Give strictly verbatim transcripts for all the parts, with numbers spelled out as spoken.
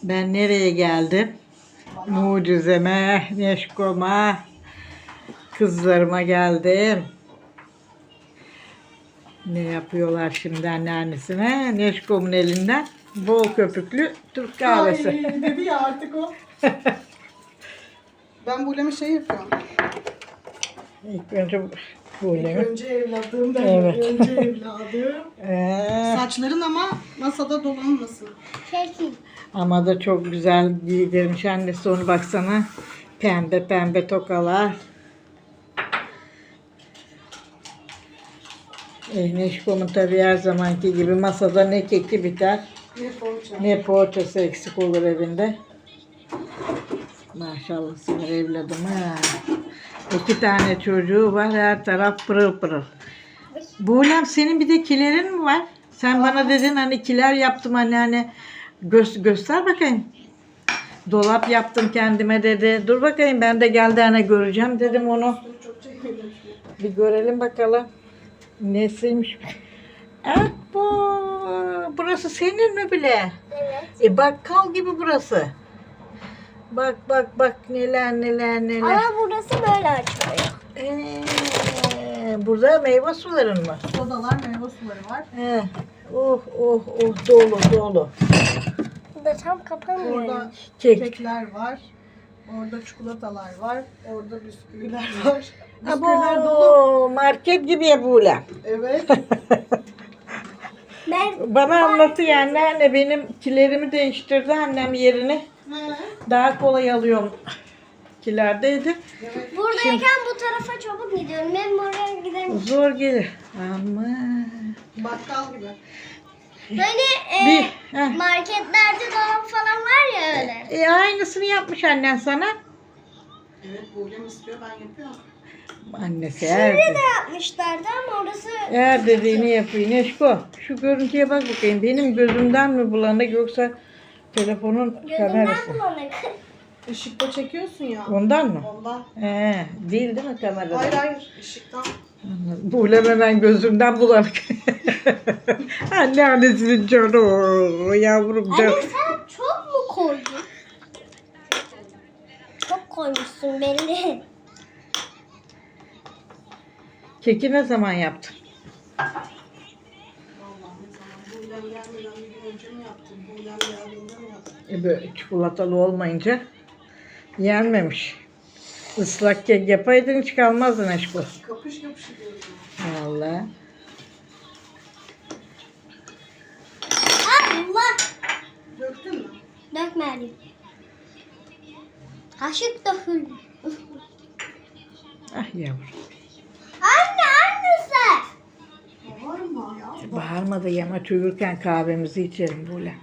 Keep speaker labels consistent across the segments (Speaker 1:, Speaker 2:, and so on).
Speaker 1: Ben nereye geldim? Mucizeme, Neşkom'a, kızlarıma geldim. Ne yapıyorlar şimdi anneannesine? Neşkom'un elinden bol köpüklü Türk kahvesi.
Speaker 2: Ay dedi ya artık o. Ben Bulem'e şey yapıyorum.
Speaker 1: İlk önce bu
Speaker 2: İlk
Speaker 1: ne?
Speaker 2: önce evladım ben.
Speaker 1: Evet.
Speaker 2: Önce evladım.
Speaker 1: Ee,
Speaker 2: Saçların ama masada dolanmasın.
Speaker 1: ama da çok güzel giydirmiş annesi onu baksana. Pembe pembe tokalar. E, Neşkom'un tabii her zamanki gibi masada ne keki biter
Speaker 2: Ne poğaça.
Speaker 1: ne poğaçası eksik olur evinde. Maşallah sinir evladım ha. İki tane çocuğu var, her taraf pırıl pırıl. Buğlem senin bir de kilerin mi var? Sen bana dedin hani kiler yaptım anne hani Gö- göster bakayım. Dolap yaptım kendime dedi. Dur bakayım ben de geldi hani göreceğim dedim onu.
Speaker 2: Çok çekmedim.
Speaker 1: Bir görelim bakalım. Nesiymiş? Evet bu. Burası senin mi bile?
Speaker 3: Evet.
Speaker 1: E bakkal gibi burası. Bak bak bak neler neler neler.
Speaker 3: Ama burası böyle açılıyor.
Speaker 1: Ee, burada meyve suların mı?
Speaker 2: Sodalar, meyve suları var.
Speaker 1: He. Oh oh oh dolu dolu.
Speaker 3: Burada tam kapanmıyor.
Speaker 2: Orada
Speaker 1: Kek.
Speaker 2: kekler var. Orada çikolatalar var. Orada bisküviler var. Bisküviler dolu.
Speaker 1: Abo, market gibi ya böyle.
Speaker 2: Evet.
Speaker 3: Ben
Speaker 1: Bana anlattı yani anne benim kilerimi değiştirdi annem yerini.
Speaker 2: He.
Speaker 1: Daha kolay alıyorum. Kilerdeydi.
Speaker 2: Evet.
Speaker 3: buradayken bu tarafa çabuk gidiyorum. Ben oraya gidemiyorum.
Speaker 1: Zor gelir. Ama
Speaker 2: Bakkal gibi.
Speaker 3: Hani e,
Speaker 1: bir heh.
Speaker 3: marketlerde dolap falan var ya öyle.
Speaker 1: E, aynısını yapmış annen sana.
Speaker 2: Evet, Bulem istiyor, ben yapıyorum.
Speaker 1: Annesi her,
Speaker 3: Şurada yapmışlardı ama orası
Speaker 1: her dediğini yapıyor. Neşko şu görüntüye bak bakayım. Benim gözümden mi bulanık yoksa telefonun
Speaker 3: gözümden
Speaker 1: kamerası?
Speaker 3: bulanık.
Speaker 2: Işıkta çekiyorsun ya.
Speaker 1: Ondan mı?
Speaker 2: Ondan.
Speaker 1: He, değil değil mi kamerada?
Speaker 2: Hayır hayır, ışıktan.
Speaker 1: Buğlem hemen gözümden bulanık. Anne annesinin canı o yavrum can.
Speaker 3: Anne sen çok mu koydun? Çok koymuşsun belli.
Speaker 1: Keki ne zaman yaptın?
Speaker 2: Vallahi ne zaman Bulem gelmeden bir gün önce mi yaptım? Bulem geldiğinde mi yaptım?
Speaker 1: E böyle çikolatalı olmayınca yenmemiş. Islak kek yapaydın hiç kalmazdın aşkım.
Speaker 2: Kapış kapış ediyorum.
Speaker 1: Vallahi.
Speaker 3: Allah!
Speaker 2: Döktün mü?
Speaker 3: Dökmedim. Kaşık döküldü.
Speaker 1: Ah yavrum.
Speaker 3: Anne annesi.
Speaker 2: Var mı ya?
Speaker 1: Bağırma da yamaç uyurken kahvemizi içelim böyle.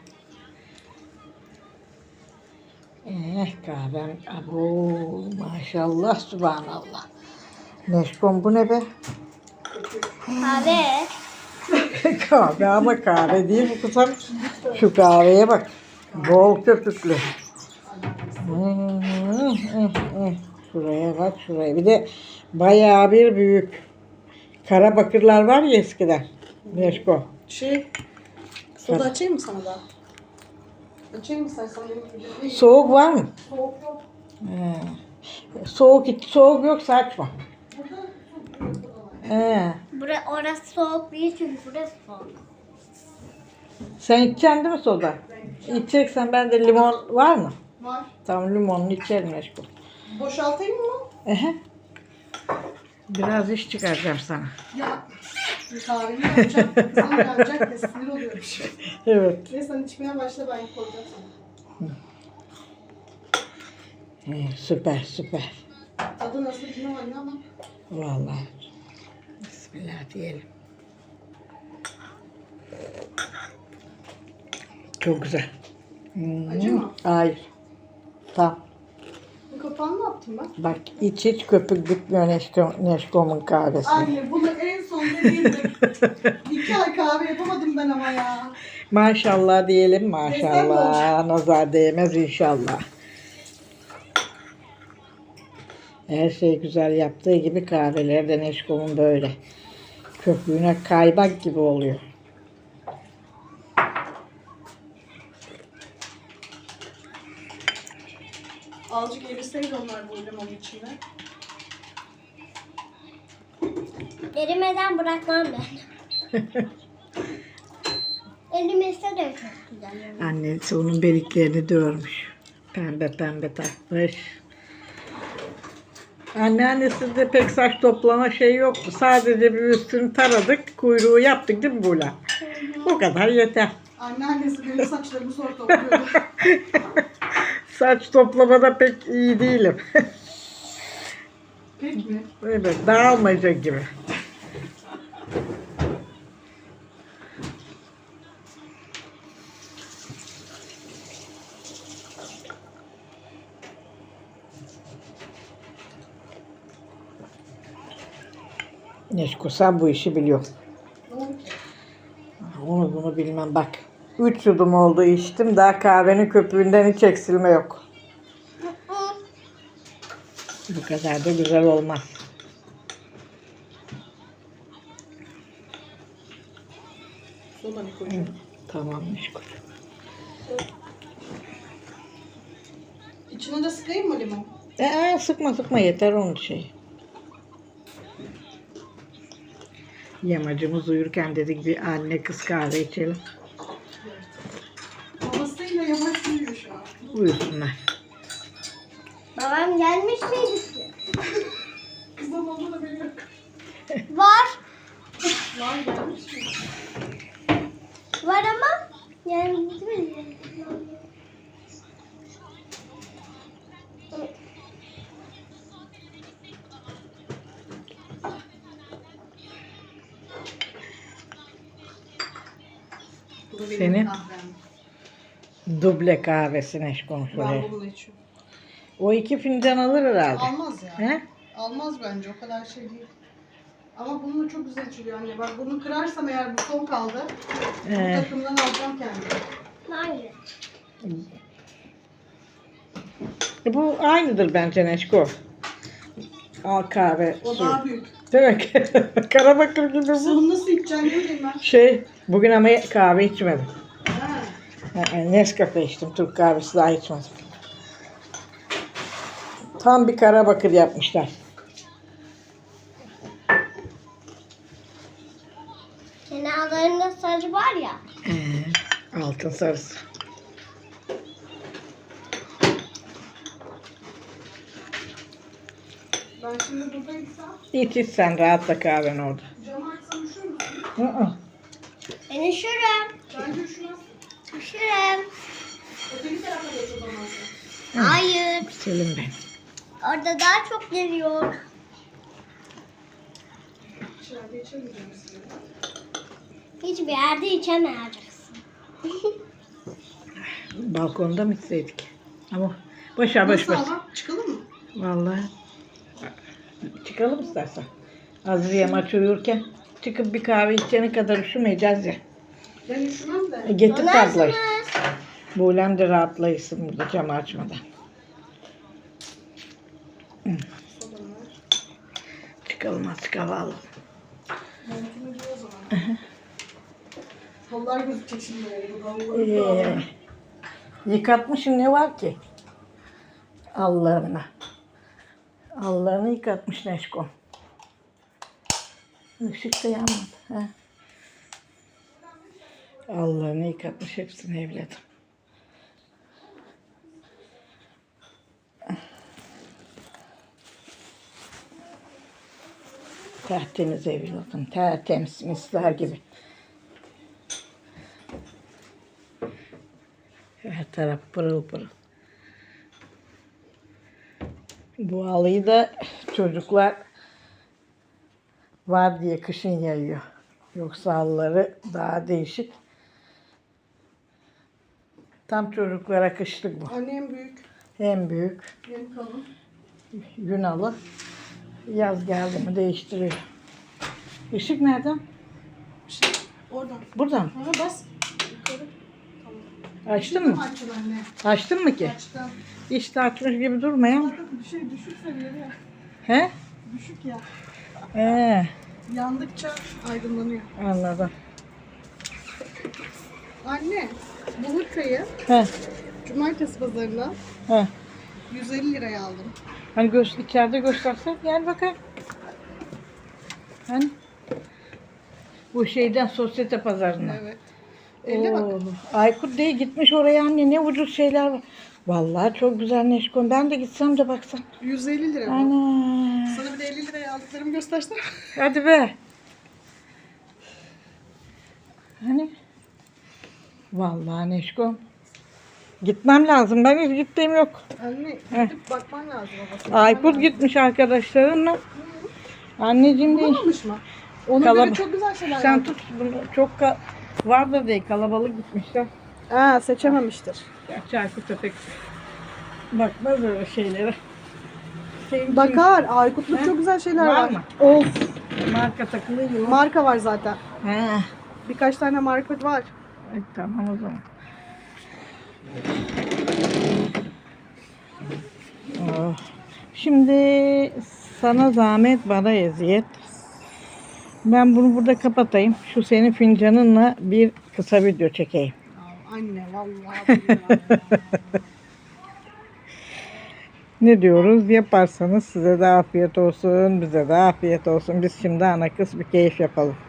Speaker 1: Eh kahvem. Abo maşallah subhanallah. Neşkom bu ne be?
Speaker 3: Kahve.
Speaker 1: Kahve ama kahve değil bu kızım. Şu kahveye bak. Bol köpüklü. Hmm, hmm, hmm. Şuraya bak şuraya. Bir de bayağı bir büyük. Kara bakırlar var ya eskiden. Neşko.
Speaker 2: Şey, soda açayım mı sana da? Açayım mı sen sana? Benim
Speaker 1: Soğuk var mı?
Speaker 2: soğuk yok.
Speaker 1: He. Soğuk hiç soğuk yoksa açma. He.
Speaker 3: Burası orası soğuk değil çünkü burası soğuk.
Speaker 1: Sen içeceksin değil mi soda? İçeceksen ben de limon var mı?
Speaker 2: Var.
Speaker 1: Tamam limonlu içerim Neşko.
Speaker 2: Boşaltayım mı?
Speaker 1: Ehe. Biraz iş çıkaracağım sana.
Speaker 2: Ya. Bir kahvemi yapacağım. Kızım gelecek de sinir oluyorum.
Speaker 1: Evet.
Speaker 2: Neyse sen içmeye başla, ben koyacağım sana.
Speaker 1: He, süper süper.
Speaker 2: Tadı nasıl bilmiyorum ama.
Speaker 1: Vallahi. Bismillah diyelim. Çok güzel. Hmm.
Speaker 2: Acı mı?
Speaker 1: Hayır. Tamam.
Speaker 2: Bu kapağını ne yaptım ben?
Speaker 1: Bak iç iç köpük bitmiyor Neşko, Neşkom'un kahvesi.
Speaker 2: Anne bunu en son dediğimde iki ay kahve yapamadım ben ama ya.
Speaker 1: Maşallah diyelim
Speaker 2: Destek
Speaker 1: maşallah. Nazar değmez inşallah. Her şey güzel yaptığı gibi kahveleri de Neşkom'un böyle. Köpüğüne kaymak gibi oluyor.
Speaker 2: Azıcık eriseydi onlar bu limonun içinde.
Speaker 3: Erimeden bırakmam ben. Erimese de çok güzel. Yani.
Speaker 1: Annesi onun beliklerini dörmüş. Pembe pembe takmış. Anneannesi de pek saç toplama şey yoktu. Sadece bir üstünü taradık, kuyruğu yaptık değil mi Buğla? O kadar yeter.
Speaker 2: Anneannesi benim saçlarımı zor topluyordu.
Speaker 1: Saç toplamada pek iyi değilim.
Speaker 2: Pek mi?
Speaker 1: Evet, dağılmaca gibi. Neşko sen bu işi biliyorsun. Onu bunu bilmem bak. Üç yudum oldu içtim, daha kahvenin köpüğünden hiç eksilme yok. Bu kadar da güzel olmaz.
Speaker 2: Soda Nikocuğum.
Speaker 1: Tamam Neşko.
Speaker 2: İçine de sıkayım mı limon?
Speaker 1: Ee, sıkma sıkma yeter onun şeyi. Yamacımız uyurken dedik bir anne kız kahve içelim.
Speaker 2: Babasıyla yavaş uyuyor şu an.
Speaker 1: Uyusunlar.
Speaker 3: Babam gelmiş miydi ki?
Speaker 2: Kızım oldu da benim yok.
Speaker 3: Var.
Speaker 2: Var gelmiş mi?
Speaker 3: Var ama gelmedi mi?
Speaker 2: Bu da benim
Speaker 1: Senin?
Speaker 2: kahvem.
Speaker 1: Duble kahvesi Neşko'nun
Speaker 2: Ben
Speaker 1: şuraya.
Speaker 2: bunu içiyorum.
Speaker 1: O iki fincan alır herhalde.
Speaker 2: Almaz ya.
Speaker 1: He?
Speaker 2: Almaz bence, o kadar şey değil. Ama bununla çok güzel içiliyor anne. Bak bunu kırarsam eğer bu son kaldı. Bu
Speaker 1: Ee,
Speaker 2: takımdan alacağım kendime.
Speaker 3: Hayır.
Speaker 1: e, bu aynıdır bence Neşko. Al kahve.
Speaker 2: O
Speaker 1: suyu.
Speaker 2: daha büyük.
Speaker 1: Değil mi? Karabakır gibi bu.
Speaker 2: Bunu nasıl içeceğim bileyim ben.
Speaker 1: Şey, bugün ama kahve içmedim.
Speaker 2: Ha.
Speaker 1: Ha, Nescafe içtim. Türk kahvesi daha içmedim. Tam bir Karabakır yapmışlar.
Speaker 3: Kenarlarında sarı var ya.
Speaker 1: Ee, altın sarısı.
Speaker 2: Ben şimdi buradaysam
Speaker 1: İç iç sen rahatla kahven orada.
Speaker 2: camı açsam üşür müsün?
Speaker 1: Hı hı.
Speaker 3: Ben üşürüm.
Speaker 2: Bence üşümez.
Speaker 3: Üşürüm.
Speaker 2: Öteki tarafa geç o zaman sen.
Speaker 3: Hayır.
Speaker 1: Selim ben.
Speaker 3: Orada daha çok geliyor.
Speaker 2: İçeride içemeyeceğim size.
Speaker 3: Hiçbir yerde içemeyeceksin.
Speaker 1: Balkonda mı içseydik? Ama boşa boş
Speaker 2: Nasıl
Speaker 1: boş.
Speaker 2: ama? Çıkalım mı?
Speaker 1: Vallahi. Çıkalım istersen. Azriye maç uyurken çıkıp bir kahve içene kadar üşümeyeceğiz ya.
Speaker 2: Ben üşümem de.
Speaker 1: E, getir tablayı.
Speaker 3: Donarsınız.
Speaker 1: Buğlem de rahatlayısın burada camı açmadan.
Speaker 2: Sodanı ver.
Speaker 1: Çıkalım artık hava alalım.
Speaker 2: Montunu giy o zaman. Kollar gözükecek şimdi oldu. Kolları
Speaker 1: Ee, yıkatmışım ne var ki? Allah'ına. Allah'ını yıkatmış Neşko. Işık da yanmadı. Ha? Allah'ını yıkatmış hepsini evladım. Tertemiz evladım. Tertemiz misler gibi. Her taraf pırıl pırıl. Bu halıyı da çocuklar var diye kışın yayıyor. Yoksa halıları daha değişik. Tam çocuklara kışlık bu.
Speaker 2: Annem büyük.
Speaker 1: En büyük
Speaker 2: Benim kalın.
Speaker 1: gün halı. Yaz geldi mi değiştiriyor. Işık nereden?
Speaker 2: Şey, oradan.
Speaker 1: Buradan.
Speaker 2: Aha bas. Yukarı. Tamam.
Speaker 1: Açtın mı?
Speaker 2: Açın anne.
Speaker 1: Açtın mı ki?
Speaker 2: Açtım.
Speaker 1: İşte açmış gibi durmayan.
Speaker 2: Bir şey düşük seviyede ya.
Speaker 1: He?
Speaker 2: Düşük ya.
Speaker 1: Ee,
Speaker 2: Yandıkça aydınlanıyor.
Speaker 1: anladım.
Speaker 2: Anne, bu hırkayı
Speaker 1: He,
Speaker 2: cumartesi pazarına
Speaker 1: he.
Speaker 2: yüz elli liraya aldım.
Speaker 1: Hani göz, içeride göstersen gel bakayım. Hani bu şeyden sosyete pazarına.
Speaker 2: Evet. elli bak.
Speaker 1: Oo, Aykut değil gitmiş oraya anne ne ucuz şeyler var. Vallahi çok güzel Neşkon. Ben de gitsem de baksam.
Speaker 2: yüz elli lira bu.
Speaker 1: Ana.
Speaker 2: Sana bir de elli liraya aldıklarımı göstersem.
Speaker 1: Hadi be. Hani? Vallahi Neşkon. Gitmem lazım. Ben hiç gittiğim yok.
Speaker 2: Anne
Speaker 1: Heh.
Speaker 2: gidip bakman lazım babası.
Speaker 1: Aykut gitmiş arkadaşlarımla. Anneciğim değil.
Speaker 2: Bulamamış mı? Ona
Speaker 1: Kalab-
Speaker 2: göre çok güzel şeyler
Speaker 1: Sen
Speaker 2: yaptım.
Speaker 1: tut bunu. Çok ka- var da değil. Kalabalık gitmişler.
Speaker 2: Aa, seçememiştir.
Speaker 1: Gerçi Aykut da pek bakmaz öyle şeylere. Senin
Speaker 2: Bakar. Aykut'luk
Speaker 1: He?
Speaker 2: çok güzel şeyler
Speaker 1: Var
Speaker 2: var.
Speaker 1: mı?
Speaker 2: Of.
Speaker 1: için marka takılıyor.
Speaker 2: Marka var zaten.
Speaker 1: He.
Speaker 2: Birkaç tane marka var.
Speaker 1: E, tamam o zaman. Oh. Şimdi sana zahmet bana eziyet. Ben bunu burada kapatayım. Şu senin fincanınla bir kısa video çekeyim.
Speaker 2: Aa, anne vallahi billahi.
Speaker 1: Ne diyoruz? Yaparsanız size de afiyet olsun, bize de afiyet olsun. Biz şimdi ana kız bir keyif yapalım.